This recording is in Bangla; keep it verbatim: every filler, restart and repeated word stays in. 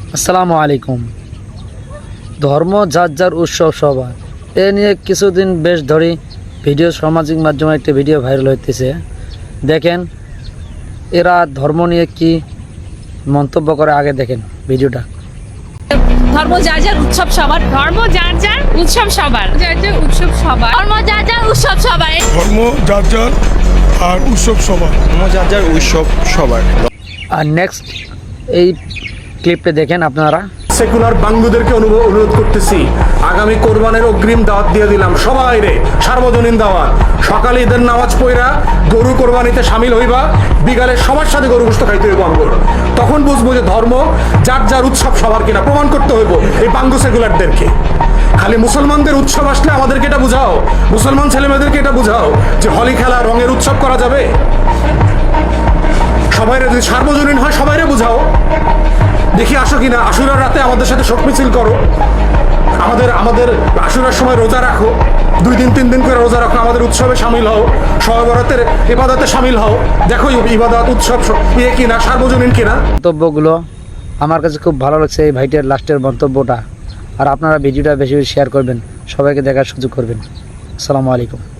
আসসালামু আলাইকুম। ধর্ম যার যার উৎসব সবার, এ নিয়ে কিছুদিন বেশ ধরেই ভিডিও সামাজিক মাধ্যমে একটি ভিডিও ভাইরাল হইতেছে। দেখেন এরা ধর্ম নিয়ে কি মন্তব্য করে, আগে দেখেন ভিডিওটা। ধর্ম যার যার উৎসব সবার, ধর্ম যার যার উৎসব সবার, যার যার উৎসব সবার, ধর্ম যার যার উৎসব সবার, ধর্ম যার যার আর উৎসব সবার। ধর্ম যার যার উৎসব সবার। আর নেক্সট এই ক্লিপটা দেখেন আপনারা। সেকুলার বাঙ্গুদেরকে অনুভব অনুরোধ করতেছি, আগামী কোরবানের অগ্রিম দাওয়াত দিয়ে দিলাম সবাই রে, সার্বজনীন দাওয়াত। সকালে ঈদের নামাজ পড়া গরু কোরবানিতে সামিল হইবা, বিকালে সবার সাথে গরু গোশত খাইতে হইব আমগর। তখন বুঝবো যে ধর্ম যার যার উৎসব সবার কিনা, প্রমাণ করতে হইব এই বাঙ্গু সেকুলারদেরকে। খালি মুসলমানদের উৎসব আসলে আমাদেরকে এটা বুঝাও, মুসলমান ছেলেমেয়েদেরকে এটা বুঝাও যে হোলি খেলা রঙের উৎসব করা যাবে। সবাইরে যদি সার্বজনীন হয় সবাইরে বুঝাও। দেখি আসো কিনা, আশুরার রাতে আমাদের সাথে শোক মিছিল করো, আমাদের আমাদের আশুরার সময় রোজা রাখো, দুই দিন তিন দিন করে রোজা রাখো, আমাদের উৎসবে সামিল হও, শবে বরাতের ইবাদতে সামিল হও। দেখো ইবাদত উৎসব ইয়ে কিনা, সার্বজনীন কিনা। মন্তব্যগুলো আমার কাছে খুব ভালো লাগছে, এই ভাইটার লাস্টের মন্তব্যটা। আর আপনারা ভিডিওটা বেশি বেশি শেয়ার করবেন, সবাইকে দেখার সুযোগ করবেন। আসসালামু আলাইকুম।